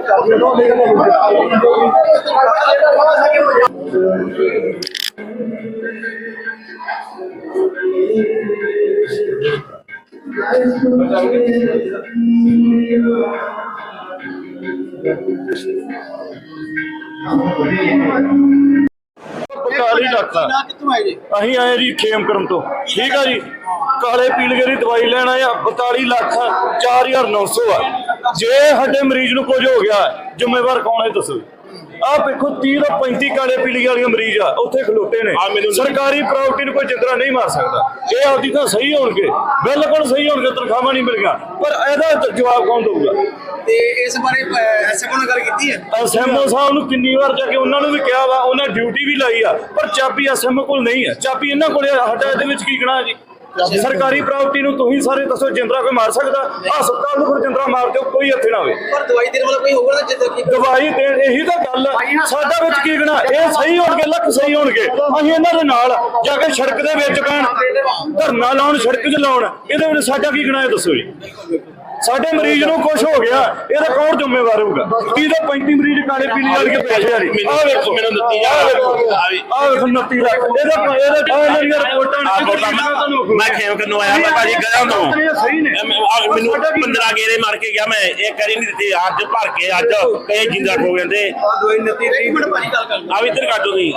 ਅਸੀਂ ਆਏ ਜੀ ਖੇਮਕਰਮ ਤੋਂ। ਠੀਕ ਆ ਜੀ, ਕਾਲੇ ਪੀਲੀਏ ਦੀ ਦਵਾਈ ਲੈਣ ਆਏ ਆ। 42 ਲੱਖ 4900 ਆ। ਜੇ ਸਾਡੇ ਮਰੀਜ਼ ਨੂੰ ਕੁਝ ਹੋ ਗਿਆ ਜ਼ਿੰਮੇਵਾਰ ਕੌਣ ਹੈ ਦੱਸੋ। ਆਹ ਦੇਖੋ 30 ਤੋਂ 35 ਕਾਲੇ ਪੀਲੀਏ ਵਾਲੀਆਂ ਮਰੀਜ਼ ਆ ਉੱਥੇ ਖਲੋਤੇ ਨੇ। ਸਰਕਾਰੀ ਪ੍ਰਾਪਰਟੀ ਨੂੰ ਕੋਈ ਜਿੰਦਰਾ ਨਹੀਂ ਮਾਰ ਸਕਦਾ। ਇਹ ਆਪਦੀ ਤਾਂ ਸਹੀ ਹੋਣਗੇ, ਬਿਲਕੁਲ ਸਹੀ ਹੋਣਗੇ, ਤਨਖਾਹਾਂ ਨਹੀਂ ਮਿਲੀਆਂ, ਪਰ ਇਹਦਾ ਜਵਾਬ ਕੌਣ ਦਊਗਾ? ਤੇ ਇਸ ਬਾਰੇ ਐਸਐਮਓ ਨਾਲ ਗੱਲ ਕੀਤੀ ਹੈ? ਐਸਐਮਓ ਸਾਹਿਬ ਨੂੰ ਕਿੰਨੀ ਵਾਰ ਜਾ ਕੇ ਉਹਨਾਂ ਨੂੰ ਵੀ ਕਿਹਾ ਵਾ, ਉਹਨਾਂ ਡਿਊਟੀ ਵੀ ਲਾਈ ਆ, ਪਰ ਚਾਬੀ ਐਸਐਮਓ ਕੋਲ ਨਹੀਂ ਹੈ। ਚਾਬੀ ਇਹਨਾਂ ਕੋਲ ਆ। ਸਾਡਾ ਇਹਦੇ ਵਿੱਚ ਕੀ ਗਣਾ ਜੀ? ਸਰਕਾਰੀ ਪ੍ਰਾਪਰਟੀ ਨੂੰ ਤੁਸੀਂ ਸਾਰੇ ਦੱਸੋ ਜਿੰਦਰਾ ਕੋਈ ਮਾਰ ਸਕਦਾ? ਹਸਪਤਾਲ ਨੂੰ ਫਿਰ ਜਿੰਦਰਾ ਮਾਰ ਦਿਓ, ਕੋਈ ਹੱਥੇ ਨਾ ਹੋਵੇ। ਪਰ ਦਵਾਈ ਦੇਣ ਵਾਲਾ ਕੋਈ ਹੋਊਗਾ ਨਾ ਜਿੰਦਰਾ ਕੀ ਦਵਾਈ ਦੇਣ, ਇਹੀ ਤਾਂ ਗੱਲ ਆ। ਸਾਡਾ ਵਿੱਚ ਕੀ ਗਣਾ? ਇਹ ਸਹੀ ਹੋਣਗੇ, ਲੱਖ ਸਹੀ ਹੋਣਗੇ, ਅਸੀਂ ਇਹਨਾਂ ਦੇ ਨਾਲ ਜਾ ਕੇ ਸੜਕ ਦੇ ਵਿੱਚ ਪੈਣ, ਧਰਨਾ ਲਾਉਣ, ਸੜਕ 'ਚ ਲਾਉਣ, ਇਹਦੇ ਵਿੱਚ ਸਾਡਾ ਕੀ ਗਣਾ? ਇਹ ਦੱਸੋ ਜੀ। ਸਾਡੇ ਮਰੀਜ਼ ਨੂੰ ਕੁਝ ਹੋ ਗਿਆ, ਇਹਦਾ ਕੌਣ ਜ਼ਿੰਮੇਵਾਰ ਹੋਊਗਾ? 30 ਤੋਂ 35 ਮਰੀਜ਼ ਕਾਲੇ ਪੀਲੀਏ ਵਾਲੇ ਪੈਸੇ ਆ ਰਹੀ। ਆਹ ਵੇਖੋ ਮੈਨੂੰ ਦਿੱਤੀ ਜਾ, ਆਹ ਵੇਖੋ 29 ਲੱਖ ਇਹਦਾ ਰਿਪੋਰਟਾਂ। ਮੈਂ ਖੇਮ ਕਰਨੋਂ ਆਇਆ, ਮੈਂ ਭਾਜੀ ਗਇਆ ਤੋਂ ਮੈਨੂੰ 15 ਗੇਰੇ ਮਾਰ ਕੇ ਗਿਆ। ਮੈਂ ਇਹ ਕਰੀ ਨਹੀਂ ਦਿੱਤੀ, ਅੱਜ ਭਰ ਕੇ ਅੱਜ ਕਈ ਜਿੰਦਾ ਖੋ ਜਾਂਦੇ। ਦਵਾਈ 29 ਮਿੰਟ ਭਾਜੀ ਗੱਲ ਕਰ ਆ ਵੀ ਇੱਧਰ ਕੱਢੋ ਤੁਸੀਂ।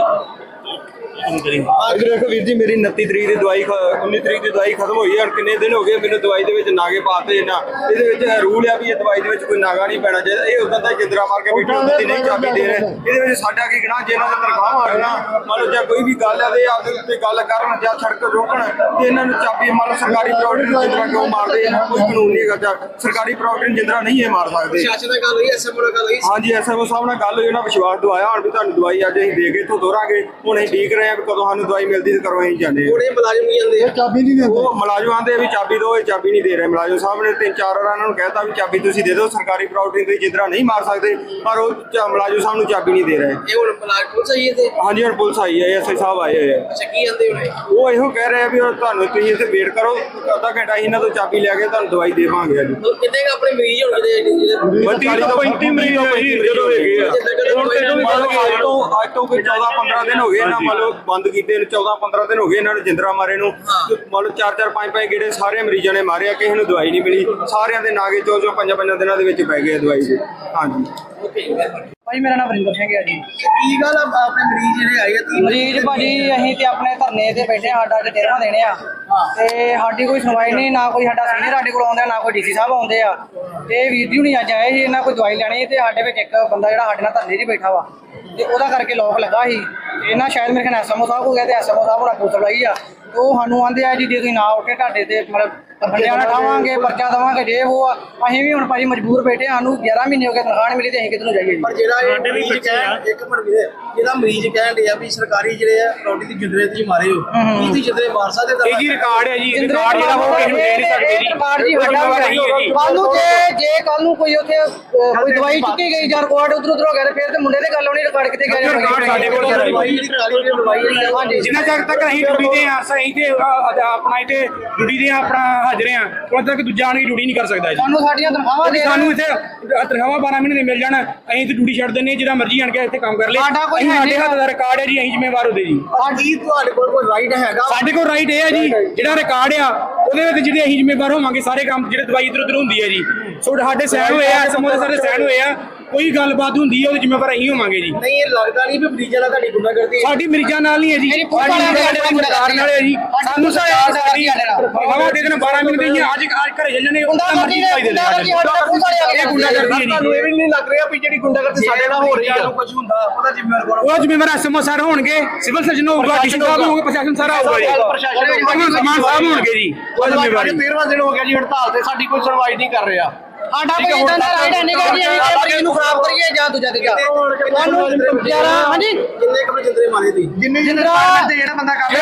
ਇਧਰ ਦੇਖੋ ਵੀਰ ਜੀ, ਮੇਰੀ 29 ਤਰੀਕ ਦੀ ਦਵਾਈ 19 ਤਰੀਕ ਦੀ ਦਵਾਈ ਖਤਮ ਹੋਈ ਹੈ। ਕਿੰਨੇ ਦਿਨ ਹੋ ਗਏ ਮੈਨੂੰ ਦਵਾਈ ਦੇ ਵਿੱਚ ਨਾਗੇ ਪਾਤੇ ਨਾ। ਇਹਦੇ ਵਿੱਚ ਰੂਲ ਆ ਵੀ ਇਹ ਦਵਾਈ ਦੇ ਵਿੱਚ ਕੋਈ ਨਾਗਾ ਨਹੀਂ ਪੈਣਾ ਚਾਹੀਦਾ। ਇਹ ਉਦੋਂ ਦਾ ਜਿੰਦਰਾ ਮਾਰ ਕੇ ਬੈਠੇ ਹੁੰਦੇ ਸੀ, ਨਹੀਂ ਚਾਬੀ ਦੇ ਰਹੇ। ਇਹਦੇ ਵਿੱਚ ਸਾਡਾ ਕੀ ਗਣਾ? ਜੇ ਇਹਨਾਂ ਦਾ ਤਨਖਾਹ ਮਾਰਨਾ, ਮੰਨ ਲਓ ਜਾਂ ਕੋਈ ਵੀ ਗੱਲ ਆ ਤੇ ਆਪਦੇ ਉੱਤੇ ਗੱਲ ਕਰਨ ਜਾਂ ਸੜਕ ਰੋਕਣ, ਤੇ ਇਹਨਾਂ ਨੂੰ ਚਾਬੀ ਮੰਨ ਲਓ ਸਰਕਾਰੀ ਪ੍ਰਾਪਰਟੀ ਨੂੰ ਜਿੰਦਰਾ ਕਿਉਂ ਮਾਰਦੇ? ਇਹਨਾਂ ਕੋਈ ਕਾਨੂੰਨ ਨਹੀਂ ਹੈਗਾ। ਸਰਕਾਰੀ ਪ੍ਰਾਪਰਟੀ ਨੂੰ ਜਿੰਦਰਾ ਨਹੀਂ ਇਹ ਮਾਰ ਸਕਦੇ। ਪ੍ਰਸ਼ਾਸਨ ਨਾਲ ਗੱਲ ਹੋਈ, ਐਸਐਮਓ ਨਾਲ ਗੱਲ ਹੋਈ? ਹਾਂਜੀ, ਐਸਐਮਓ ਸਾਹਿਬ ਨਾਲ ਗੱਲ ਹੋਈ, ਉਹਨਾਂ ਵਿਸ਼ਵਾਸ ਦਵਾਇਆ ਹੁਣ ਵੀ ਤੁਹਾਨੂੰ ਦਵਾਈ ਅੱਜ ਅਸੀਂ ਦੇ ਕੇ ਇੱਥੋਂ ਦੋਰਾਂਗੇ। ਹੁਣ ਅਸੀਂ ਉਡੀਕ ਰਹੇ ਹਾਂ ਵੀ ਕਦੋਂ ਸਾਨੂੰ ਦਵਾਈ ਮਿਲਦੀ ਤੇ ਕਰੋ ਅਸੀਂ ਜਾਂਦੇ। ਉਹਨੇ ਮੁਲਾਜ਼ਮ ਨਹੀਂ ਆਉਂਦੇ, ਚਾਬੀ ਨਹੀਂ ਦਿੰਦੇ। ਉਹ ਮੁਲਾਜ਼ਮ ਆਂਦੇ ਵੀ ਚਾਬੀ ਦਿਓ, ਇਹ ਚਾਬੀ ਨਹੀਂ ਦੇ ਰਹੇ। ਮੁਲਾਜ਼ਮ ਸਾਹਿਬ ਨੇ 3-4 ਵਾਰ ਇਹਨਾਂ ਨੂੰ ਕਹਿਤਾ ਵੀ ਚਾਬੀ ਤੁਸੀਂ ਦੇ ਦਿਓ, ਸਰਕਾਰੀ ਪ੍ਰਾਪਰਟੀ ਤੁਸੀਂ ਜਿੰਦਰਾ ਨਹੀਂ ਮਾਰ ਸਕਦੇ, ਪਰ ਉਹ ਮੁਲਾਜ਼ਮ ਸਾਹਿਬ ਨੂੰ ਚਾਬੀ ਨਹੀਂ ਦੇ ਰਹੇ। ਇਹ ਹੁਣ ਮੁਲਾਜ਼ਮ ਪੁਲਿਸ ਆਈ ਹੈ ਤੇ? ਹਾਂਜੀ, ਹੁਣ ਪੁਲਿਸ ਆਈ ਹੈ, ਐਸਆਈ ਸਾਹਿਬ ਆਏ ਹੋਏ ਆ। ਅੱਛਾ, ਕੀ ਆਂਦੇ ਉਹਨੇ? ਉਹ ਇਹੋ ਕਹਿ ਰਹੇ ਆ ਵੀ ਤੁਹਾਨੂੰ ਤੁਸੀਂ ਇੱਥੇ ਵੇਟ ਕਰੋ, ਅੱਧਾ ਘੰਟਾ ਇਹਨਾਂ ਤੋਂ ਚਾਬੀ ਲੈ ਕੇ ਤੁਹਾਨੂੰ ਦਵਾਈ ਦੇਵਾਂਗੇ। ਅੱਜ ਕਿੰਨੇ ਆਪਣੇ ਮਰੀਜ਼ ਹੋਣਗੇ? 30 ਤੋਂ 35 ਮਰੀਜ਼ ਜਦੋਂ ਹੈਗੇ ਆ। ਅੱਜ ਤੋਂ ਕੋਈ 14-15 ਦਿਨ ਹੋ ਗਏ ਇਹਨਾਂ ਮੰਨ ਲਓ ਬੰਦ ਕੀਤੇ ਨੂੰ। 14-15 ਦਿਨ ਹੋ ਗਏ ਇਹਨਾਂ ਨੂੰ ਜਿੰਦਰਾ ਮਾਰੇ ਨੂੰ। ਮੰਨ ਲਓ 4-4 5-5 ਗੇੜੇ ਸਾਰੇ ਮਰੀਜ਼ਾਂ ਨੇ ਮਾਰਿਆ, ਕਿਸੇ ਨੂੰ ਦਵਾਈ ਨਹੀਂ ਮਿਲੀ। ਸਾਰਿਆਂ ਦੇ ਨਾਗੇ 4-5 ਦਿਨਾਂ ਦੇ ਵਿੱਚ ਪੈ ਗਏ ਦਵਾਈ ਦੇ। ਹਾਂਜੀ ਭਾਈ, ਮੇਰਾ ਨਾਮ ਵਰਿੰਦਰ ਸਿੰਘ ਹੈ ਜੀ। ਕੀ ਗੱਲ ਆਪਣੇ ਮਰੀਜ਼ ਜਿਹੜੇ ਆਏ ਆ? ਮਰੀਜ਼ ਭਾਜੀ ਅਸੀਂ ਤੇ ਆਪਣੇ ਧਰਨੇ ਤੇ ਬੈਠੇ, ਸਾਡਾ ਅੱਜ 13ਵਾਂ ਦਿਨ ਆ ਤੇ ਸਾਡੀ ਕੋਈ ਸੁਣਵਾਈ ਨਹੀਂ, ਨਾ ਕੋਈ ਸਾਡਾ ਸੀਨੀਅਰ ਸਾਡੇ ਕੋਲ ਆਉਂਦਾ, ਨਾ ਕੋਈ ਡੀਸੀ ਸਾਹਿਬ ਆਉਂਦੇ ਆ। ਤੇ ਵੀਰ ਜੀ ਹੁਣੀ ਅੱਜ ਆਏ ਸੀ, ਇਹਨਾਂ ਕੋਈ ਦਵਾਈ ਲੈਣੀ ਤੇ ਸਾਡੇ ਵਿੱਚ ਇੱਕ ਬੰਦਾ ਜਿਹੜਾ ਸਾਡੇ ਨਾਲ ਧਰਨੇ 'ਚ ਬੈਠਾ ਵਾ, ਤੇ ਉਹਦਾ ਕਰਕੇ ਲੋਕ ਲੱਗਾ ਸੀ। ਇਹਨਾਂ ਸ਼ਾਇਦ ਮੇਰੇ ਖਿਆਲ ਐਸਐਮਓ ਸਾਹਿਬ ਹੋ ਗਿਆ, ਤੇ ਐਸਐਮਓ ਸਾਹਿਬ ਹੋਣਾ ਪੁਲਿਸ ਲਾਈ ਆ। ਉਹ ਸਾਨੂੰ ਆਂਦੇ ਆ ਜੀ ਜੇ ਤੁਸੀਂ ਨਾ ਉੱਠੇ ਤੁਹਾਡੇ ਤੇ ਮਤਲਬ ਬੰਦਿਆਂ ਨਾਲ ਠਾਵਾਂਗੇ, ਪਰਚਾ ਦੇਵਾਂਗੇ, ਜੇ ਉਹ ਆ। ਅਸੀਂ ਵੀ ਹੁਣ ਭਾਜੀ ਮਜਬੂਰ ਬੈਠੇ, ਸਾਨੂੰ 11 ਮਹੀਨੇ ਹੋ ਗਏ ਤਨਖਾਹ ਨਹੀਂ ਮਿਲੀ, ਤੇ ਅਸੀਂ ਕਿੱਧਰ ਨੂੰ ਜਾਈਏ? ਪਰ ਜਿਹੜਾ ਇਹ ਮਰੀਜ਼ ਕਹਿਣ, ਇੱਕ ਮਿੰਟ ਵੀਰੇ, ਜਿਹੜਾ ਮਰੀਜ਼ ਕਹਿਣ ਡਿਆ ਵੀ ਸਰਕਾਰੀ ਜਿਹੜੇ ਆ ਰੋਟੀ ਦੀ ਜਿੰਦਰੇ ਤੁਸੀਂ ਮਾਰੇ ਹੋ, ਕੀ ਤੁਸੀਂ ਜਿੰਦਰੇ ਮਾਰ ਸਕਦੇ? ਇਹ ਜੀ ਰਿਕਾਰਡ ਹੈ ਜੀ, ਰਿਕਾਰਡ ਜਿਹੜਾ ਉਹ ਕਿਸੇ ਨੂੰ ਦੇ ਨਹੀਂ ਸਕਦੇ ਜੀ। ਰਿਕਾਰਡ ਜੀ ਕੱਲ ਨੂੰ ਜੇ ਕੱਲ ਨੂੰ ਕੋਈ ਉੱਥੇ ਕੋਈ ਦਵਾਈ ਚੁੱਕੀ ਗਈ ਜਾਂ ਰਿਕਾਰਡ ਉਧਰ ਹੋ ਗਿਆ, ਤੇ ਫਿਰ ਤੇ ਮੁੰਡੇ ਤੇ ਗੱਲ ਹੋਣੀ, ਰਿਕਾਰਡ ਕਿਤੇ ਗਿਆ? ਸਾਡੇ ਕੋਲ ਹਾਂਜੀ, ਜਿੰਨਾ ਚਿਰ ਤੱਕ ਅਸੀਂ ਡਿਊਟੀ ਤੇ ਆ, ਅਸੀਂ ਤੇ ਆਪਣਾ ਇੱਥੇ ਡਿਊਟੀ ਦੇ ਆਪਣਾ ਹਾਜ਼ਰ ਆ, ਉਦੋਂ ਤੱਕ ਦੂਜਾ ਆਣ ਕੇ ਡਿਊਟੀ ਨਹੀਂ ਕਰ ਸਕਦਾ ਜੀ। ਸਾਨੂੰ ਸਾਡੀਆਂ ਤਨਖਾਹਾਂ ਦੇ ਸਾਨੂੰ ਇੱਥੇ ਤਨਖਾਹਾਂ 12 ਮਹੀਨੇ ਦੇ ਮਿਲ ਜਾਣ, ਅਸੀਂ ਤੇ ਡਿਊਟੀ ਛੱਡ ਦਿੰਦੇ ਹਾਂ, ਜਿਹਦਾ ਮਰਜ਼ੀ ਆਣ ਕੇ ਇੱਥੇ ਕੰਮ ਕਰ ਲੇ। ਸਾਡੇ ਹੱਥ ਦਾ ਰਿਕਾਰਡ ਹੈ ਜੀ, ਅਸੀਂ ਜ਼ਿੰਮੇਵਾਰ ਹੁੰਦੇ ਜੀ। ਕੀ ਤੁਹਾਡੇ ਕੋਲ ਕੋਈ ਰਾਈਟ ਹੈਗਾ? ਸਾਡੇ ਕੋਲ ਰਾਈਟ ਇਹ ਹੈ ਜੀ, ਜਿਹੜਾ ਰਿਕਾਰਡ ਆ ਉਹਦੇ ਵਿੱਚ ਜਿਹੜੇ ਅਸੀਂ ਜ਼ਿੰਮੇਵਾਰ ਹੋਵਾਂਗੇ ਸਾਰੇ ਕੰਮ, ਜਿਹੜੇ ਦਵਾਈ ਇੱਧਰ ਉੱਧਰ ਹੁੰਦੀ ਹੈ ਜੀ, ਸਾਡੇ ਸਾਈਨ ਹੋਏ ਆ, ਸਮੂਹ ਸਾਡੇ ਸਾਈਨ ਹੋਏ ਆ, ਕੋਈ ਗੱਲਬਾਤ ਹੁੰਦੀ ਹੈ ਉਹਦੇ ਜ਼ਿੰਮੇਵਾਰ ਅਸੀਂ ਹੋਵਾਂਗੇ ਜੀ। ਨਹੀਂ, ਇਹ ਲੱਗਦਾ ਨਹੀਂ ਵੀ ਮਰੀਜ਼ਾਂ ਨਾਲ ਤੁਹਾਡੀ ਗੁੰਡਾਗਰਦੀ? ਸਾਡੀ ਮਰੀਜ਼ਾਂ ਨਾਲ ਨਹੀਂ ਹੈ ਜੀ, ਸਰਕਾਰ ਨਾਲ ਹੈ ਜੀ। ਸਾਨੂੰ ਸਾਡੀ ਹਵਾ ਦੇ ਦੇਣ 12 ਮਿੰਟ ਦੀ, ਅੱਜ ਘਰੇ ਚੱਲਣੇ ਉਹਨਾਂ ਮਰਜ਼ੀ ਦਵਾਈ ਦੇ ਦੇਣ। ਇਹ ਗੁੰਡਾਗਰਦੀ ਹੈ ਜੀ। ਤੁਹਾਨੂੰ ਇਹ ਵੀ ਨਹੀਂ ਲੱਗ ਰਿਹਾ ਵੀ ਜਿਹੜੀ ਗੁੰਡਾਗਰਦੀ ਸਾਡੇ ਨਾਲ ਹੋ ਰਹੀ ਹੈ, ਕੁਝ ਹੁੰਦਾ ਉਹਦਾ ਜ਼ਿੰਮੇਵਾਰ ਕੌਣ? ਉਹ ਜ਼ਿੰਮੇਵਾਰ ਐਸਐਮਓ ਸਰ ਹੋਣਗੇ, ਸਿਵਲ ਸਰਜਨ ਹੋਊਗਾ, ਡੀਸੀ ਸਾਹਿਬ ਹੋਊਗਾ, ਪ੍ਰਸ਼ਾਸਨ ਸਾਰਾ ਹੋਊਗਾ ਜੀ, ਸਮਾਨ ਸਾਹਿਬ ਹੋਣਗੇ ਜੀ। ਉਹ ਜ਼ਿੰਮੇਵਾਰੀ 13ਵਾਂ ਦਿਨ ਹੋ ਗਿਆ ਜੀ ਹੜਤਾਲ ਤੇ, ਸਾਡੀ ਕੋਈ ਸੁਣਵਾਈ ਨਹੀਂ ਕਰ ਰਿਹਾ। ਸਾਡਾ ਕੋਈ ਇਦਾਂ ਦਾ ਰਾਈਟ ਨਹੀਂ ਗਾ ਜੀ ਅਸੀਂ ਮਰੀਜ਼ ਨੂੰ ਖਰਾਬ ਕਰੀਏ ਜਾਂ ਦੂਜਾ ਤੇ ਜਾ ਤੁਹਾਨੂੰ 11 ਹਾਂਜੀ ਕਿੰਨੇ ਕਮਰੇ ਜਿੰਦਰੇ ਮਾਰੇ ਦੀ? ਜਿੰਨੇ ਜਿੰਦਰਾ ਜਿਹੜਾ ਬੰਦਾ ਕਰ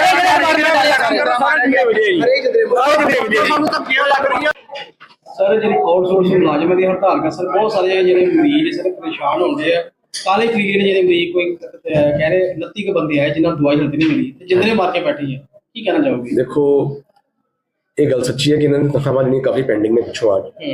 ਸਾਨੂੰ ਤਾਂ ਕਿਉਂ ਲੱਗ ਰਹੀ ਹੈ? ਸਰ ਜਿਹੜੀ ਆਊਟਸੋਰਸ ਮੁਲਾਜ਼ਮਾਂ ਦੀ ਹੜਤਾਲ ਕਰ ਸਰ ਬਹੁਤ ਸਾਰੇ ਜਿਹੜੇ ਮਰੀਜ਼ ਸਰ ਪਰੇਸ਼ਾਨ ਹੁੰਦੇ ਆ। ਕਾਲੇ ਪੀਲੀਏ ਨੇ ਜਿਹੜੇ ਮਰੀਜ਼ ਕੋਈ ਕਹਿ ਰਹੇ 29 ਕੁ ਬੰਦੇ ਆਏ ਜਿਨ੍ਹਾਂ ਨੂੰ ਦਵਾਈ ਹਲਦੀ ਨਹੀਂ ਮਿਲੀ ਤੇ ਜਿੰਦਰੇ ਮਾਰ ਕੇ ਬੈਠੀ ਹੈ, ਕੀ ਕਹਿਣਾ ਚਾਹੋਗੇ? देखो ये गल सच्ची है कि इन्होंने तनख्वाह लेनी काफ़ी पेंडिंग में पिछों आज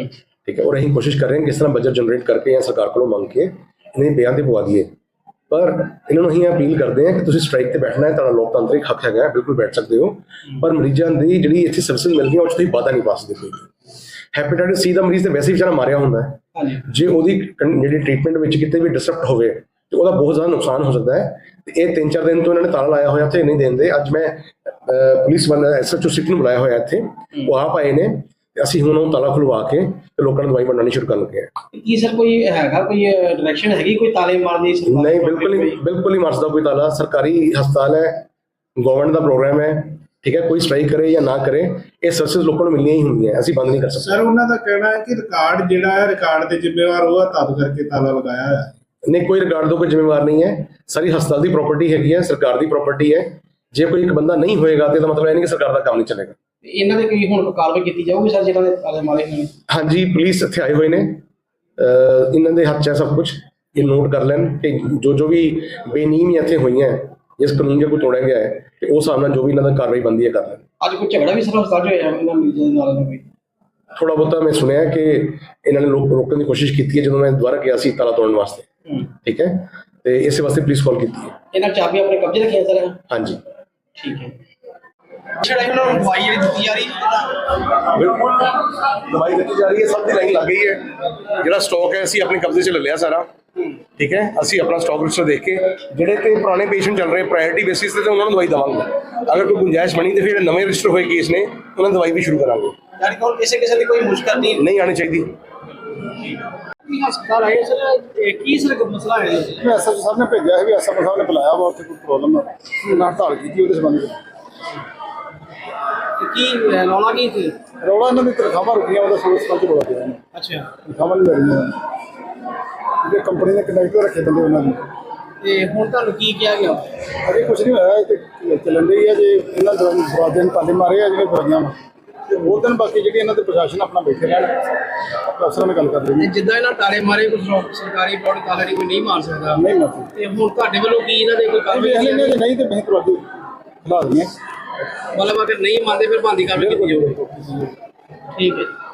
ठीक है। और ਅਸੀਂ ਕੋਸ਼ਿਸ਼ ਕਰ ਰਹੇ ਹਾਂ ਕਿਸ ਤਰ੍ਹਾਂ ਬਜਟ ਜਨਰੇਟ ਕਰਕੇ ਜਾਂ ਸਰਕਾਰ ਕੋਲੋਂ ਮੰਗ ਕੇ ਇਹਨਾਂ ਦੇ ਬਿਆਨ ਤੇ ਪਵਾ ਦਈਏ। ਪਰ ਇਹਨਾਂ ਨੂੰ ਅਸੀਂ ਅਪੀਲ ਕਰਦੇ ਹਾਂ ਕਿ ਤੁਸੀਂ ਸਟ੍ਰਾਈਕ ਤੇ ਬੈਠਣਾ ਹੈ, ਤੁਹਾਡਾ ਲੋਕਤੰਤਰਿਕ ਹੱਕ ਹੈਗਾ, ਬਿਲਕੁਲ ਬੈਠ ਸਕਦੇ ਹੋ, ਪਰ ਮਰੀਜ਼ਾਂ ਦੀ ਜਿਹੜੀ ਇੱਥੇ ਸਰਵਿਸ ਮਿਲਦੀਆਂ ਉਹ 'ਚ ਤੁਸੀਂ ਵਾਧਾ ਨਹੀਂ ਪਾ ਸਕਦੇ ਕੋਈ। ਹੈਪੇਟਾਈਟਿਸ ਸੀ ਦਾ ਮਰੀਜ਼ ਤੇ ਵੈਸੇ ਹੀ ਵਿਚਾਰਾ ਮਾਰਿਆ ਹੁੰਦਾ ਹੈ, ਜੇ ਉਹਦੀ ਜਿਹੜੀ ਟ੍ਰੀਟਮੈਂਟ ਵਿੱਚ ਕਿਤੇ ਵੀ ਡਿਸਰਪਟ ਹੋਵੇ ਤੇ ਉਹਦਾ ਬਹੁਤ ਜ਼ਿਆਦਾ ਨੁਕਸਾਨ ਹੋ ਸਕਦਾ ਹੈ। ਤੇ ਇਹ 3-4 ਦਿਨ ਤੋਂ ਇਹਨਾਂ ਨੇ ਤਾਲਾ ਲਾਇਆ ਹੋਇਆ ਇੱਥੇ ਨਹੀਂ ਦੇਂਦੇ। ਅੱਜ ਮੈਂ ਪੁਲਿਸ ਵਾਲਾ SHO ਸਿਟੀ ਨੂੰ ਬੁਲਾਇਆ ਹੋਇਆ ਇੱਥੇ, ਉਹ ਆਪ ਆਏ ਨੇ, ਅਸੀਂ ਹੁਣ ਉਹ ਤਾਲਾ ਖੁਲਵਾ ਕੇ ਤੇ ਲੋਕਾਂ ਨੂੰ ਦਵਾਈ ਵੰਡਣੀ ਸ਼ੁਰੂ ਕਰ ਲੱਗੇ ਹਾਂ। ਕੀ ਸਰ ਕੋਈ ਹੈਗਾ ਕੋਈ ਡਾਇਰੈਕਸ਼ਨ ਹੈਗੀ ਕੋਈ ਤਾਲੇ ਮਾਰਨ ਦੀ? ਨਹੀਂ, ਬਿਲਕੁਲ ਹੀ ਮਾਰ ਸਕਦਾ ਕੋਈ ਤਾਲਾ। ਸਰਕਾਰੀ ਹਸਪਤਾਲ ਹੈ, ਗਵਰਨਮੈਂਟ ਦਾ ਪ੍ਰੋਗਰਾਮ ਹੈ, ਠੀਕ ਹੈ। ਕੋਈ ਸਟ੍ਰਾਈਕ ਕਰੇ ਜਾਂ ਨਾ ਕਰੇ, ਇਹ ਸਰਵਿਸ ਲੋਕਾਂ ਨੂੰ ਮਿਲਣੀਆਂ ਹੀ ਹੁੰਦੀਆਂ, ਅਸੀਂ ਬੰਦ ਨਹੀਂ ਕਰ ਸਕਦੇ। ਸਰ ਉਹਨਾਂ ਦਾ ਕਹਿਣਾ ਹੈ ਕਿ ਰਿਕਾਰਡ ਜਿਹੜਾ ਹੈ, ਰਿਕਾਰਡ ਦੇ ਜ਼ਿੰਮੇਵਾਰ ਉਹ ਆ, ਤਦ ਕਰਕੇ ਤਾਲਾ ਲਗਾਇਆ ਹੋਇਆ ਹੈ। ਨਹੀਂ, ਕੋਈ ਰਿਕਾਰਡ ਤੋਂ ਕੋਈ ਜ਼ਿੰਮੇਵਾਰ ਨਹੀਂ ਹੈ, ਸਾਰੀ ਹਸਪਤਾਲ ਦੀ ਪ੍ਰਾਪਰਟੀ ਹੈਗੀ ਹੈ, ਸਰਕਾਰ ਦੀ ਪ੍ਰਾਪਰਟੀ ਹੈ। ਜੇ ਕੋਈ ਇੱਕ ਬੰਦਾ ਨਹੀਂ ਹੋਏਗਾ ਤੇ ਇਹਦਾ ਮਤਲਬ ਇਹ ਨਹੀਂ ਕਿ ਸਰਕਾਰ ਦਾ ਕੰਮ ਨਹੀਂ ਚੱਲੇਗਾ। ਇਹਨਾਂ ਦੇ ਕੋਈ ਹੁਣ ਕਾਰਵਾਈ ਕੀਤੀ ਜਾਊਗੀ ਸਰ ਜਿਹਨਾਂ ਦੇ ਤਾਲੇ ਮਾਰੇ ਹੋਏ ਨੇ? ਹਾਂਜੀ, ਪੁਲਿਸ ਇੱਥੇ ਆਏ ਹੋਏ ਨੇ, ਇਹਨਾਂ ਦੇ ਹੱਥ 'ਚ ਹੈ ਸਭ ਕੁਝ। ਇਹ ਨੋਟ ਕਰ ਲੈਣ ਕਿ ਜੋ ਵੀ ਬੇਨੀਮੀਆਂ ਇੱਥੇ ਹੋਈਆਂ, ਜਿਸ ਕਾਨੂੰਨ ਜੇ ਕੋਈ ਤੋੜਿਆ ਗਿਆ ਹੈ, ਤੇ ਉਸ ਹਿਸਾਬ ਨਾਲ ਜੋ ਵੀ ਇਹਨਾਂ ਦਾ ਕਾਰਵਾਈ ਬਣਦੀ ਹੈ ਕਰ ਲੈਣ। ਅੱਜ ਕੋਈ ਝਗੜਾ ਵੀ ਸਰ ਹਸਪਤਾਲ 'ਚ ਹੋਇਆ ਇਹਨਾਂ ਮਰੀਜ਼ਾਂ ਦੇ ਨਾਲ ਕੋਈ? ਥੋੜਾ ਬਹੁਤਾ ਮੈਂ ਸੁਣਿਆ ਕਿ ਇਹਨਾਂ ਨੇ ਰੋਕਣ ਦੀ ਕੋਸ਼ਿਸ਼ ਕੀਤੀ ਹੈ ਜਦੋਂ ਮੈਂ ਦੁਬਾਰਾ ਗਿਆ ਸੀ ਤਾਲਾ ਤੋੜਨ ਵਾਸਤੇ, ਠੀਕ ਹੈ, ਤੇ ਇਸੇ ਵਾਸਤੇ ਪੁਲਿਸ ਕਾਲ ਕੀਤੀ ਹੈ। ਇਹਨਾਂ ਚਾਬੀ ਆਪਣੇ ਕਬਜ਼ੇ ਰੱਖੀਆਂ ਸਰ? ਹਾਂਜੀ, ਠੀਕ ਹੈ। ਜਿਹੜਾ ਇਹਨਾਂ ਨੂੰ ਦਵਾਈ ਜਿਹੜੀ ਦਿੱਤੀ ਜਾ ਰਹੀ ਹੈ? ਬਿਲਕੁਲ ਦਵਾਈ ਦਿੱਤੀ ਜਾ ਰਹੀ ਹੈ, ਸਭ ਦੀ ਲਾਈਨ ਲੱਗ ਗਈ ਹੈ। ਜਿਹੜਾ ਸਟਾਕ ਹੈ ਅਸੀਂ ਆਪਣੇ ਕਬਜ਼ੇ 'ਚ ਲੈ ਲਿਆ ਸਾਰਾ, ਠੀਕ ਹੈ। ਅਸੀਂ ਆਪਣਾ ਸਟਾਕ ਰਜਿਸਟਰ ਦੇਖ ਕੇ ਜਿਹੜੇ ਤੇ ਪੁਰਾਣੇ ਪੇਸ਼ੈਂਟ ਚੱਲ ਰਹੇ ਪ੍ਰਾਇੋਰਟੀ ਬੇਸਿਸ ਤੇ ਉਹਨਾਂ ਨੂੰ ਦਵਾਈ ਦੇਵਾਂਗੇ। ਅਗਰ ਕੋਈ ਗੁੰਜਾਇਸ਼ ਬਣੀ ਤੇ ਫਿਰ ਨਵੇਂ ਰਜਿਸਟਰ ਹੋਏ ਕੇਸ ਨੇ ਉਹਨਾਂ ਨੂੰ ਦਵਾਈ ਵੀ ਸ਼ੁਰੂ ਕਰਾਂਗੇ। ਯਾਨੀ ਕਿ ਕਿਸੇ ਦੀ ਕੋਈ ਮੁਸ਼ਕਲ ਨਹੀਂ ਆਣੀ ਚਾਹੀਦੀ। ਹਸਪਤਾਲ ਆਏ ਸਰ, ਕੀ ਸਰ ਮਸਲਾ ਹੈ? SHO ਸਾਹਿਬ ਨੇ ਭੇਜਿਆ ਸੀ ਵੀ SHO ਸਾਹਿਬ ਨੇ ਬੁਲਾਇਆ ਵਾ, ਉੱਥੇ ਕੋਈ ਪ੍ਰੋਬਲਮ ਹੈ, ਉਹਨਾਂ ਹੜਤਾਲ ਕੀਤੀ ਉਹਦੇ ਸੰਬੰਧ ਵਿੱਚ। ਕੀ ਰੌਲਾ ਕੀ ਸੀ? ਰੌਲਾ ਇਹਨਾਂ ਦੀ ਤਨਖਾਹਾਂ ਰੁਕੀਆਂ, ਉਹਦਾ ਸੋਚ ਸਮਝ ਬੋਲਾ ਗਿਆ। ਅੱਛਾ, ਤਨਖਾਹਾਂ ਨਹੀਂ ਮਿਲ ਰਹੀਆਂ, ਜਿਹੜੇ ਕੰਪਨੀ ਨੇ ਕੰਡਕਟਰ ਰੱਖੇ ਬੰਦੇ ਉਹਨਾਂ ਨੂੰ। ਤੇ ਹੁਣ ਤੁਹਾਨੂੰ ਕੀ ਕਿਹਾ ਗਿਆ? ਅਜੇ ਕੁਝ ਨਹੀਂ ਹੋਇਆ, ਤੇ ਚੱਲਣ ਰਹੀ ਹੈ। ਜੇ ਇਹਨਾਂ ਦਰਵਾਜ਼ੇ ਨੂੰ ਤਾਲੇ ਮਾਰੇ ਆ ਜਿਹੜੇ ਦਵਾਈਆਂ ਤੇ ਉਹ ਦਿਨ ਬਾਕੀ ਜਿਹੜੀ ਇਹਨਾਂ ਦੇ ਪ੍ਰਸ਼ਾਸਨ ਆਪਣਾ ਬੈਠੇ ਰਹਿਣ, ਅਫਸਰਾਂ ਨਾਲ ਗੱਲ ਕਰ ਰਹੇ ਨੇ। ਜਿੱਦਾਂ ਇਹਨਾਂ ਤਾਲੇ ਮਾਰੇ ਕੋਈ ਸਰਕਾਰੀ ਬੋਰਡ ਤਾਲੇ ਦੀ ਕੋਈ ਨਹੀਂ ਮਾਰ ਸਕਦਾ, ਨਹੀਂ ਮਾਫੀ ਤੇ ਹੁਣ ਤੁਹਾਡੇ ਵੱਲੋਂ ਕੀ ਇਹਨਾਂ ਦੇ ਕੋਈ ਕਾਰਵਾਈ ਵੇਖ ਲੈਂਦੇ, ਨਹੀਂ ਤੇ ਅਸੀਂ ਦਰਵਾਜ਼ੇ ਖਿਲਾ ਦਿੰਦੇ ਹਾਂ। ਮਤਲਬ ਅਗਰ ਨਹੀਂ ਮੰਨਦੇ ਫਿਰ ਬੰਦੀ ਕਾਰਵਾਈ ਕੀਤੀ ਜਾਊਗੀ? ਠੀਕ ਹੈ।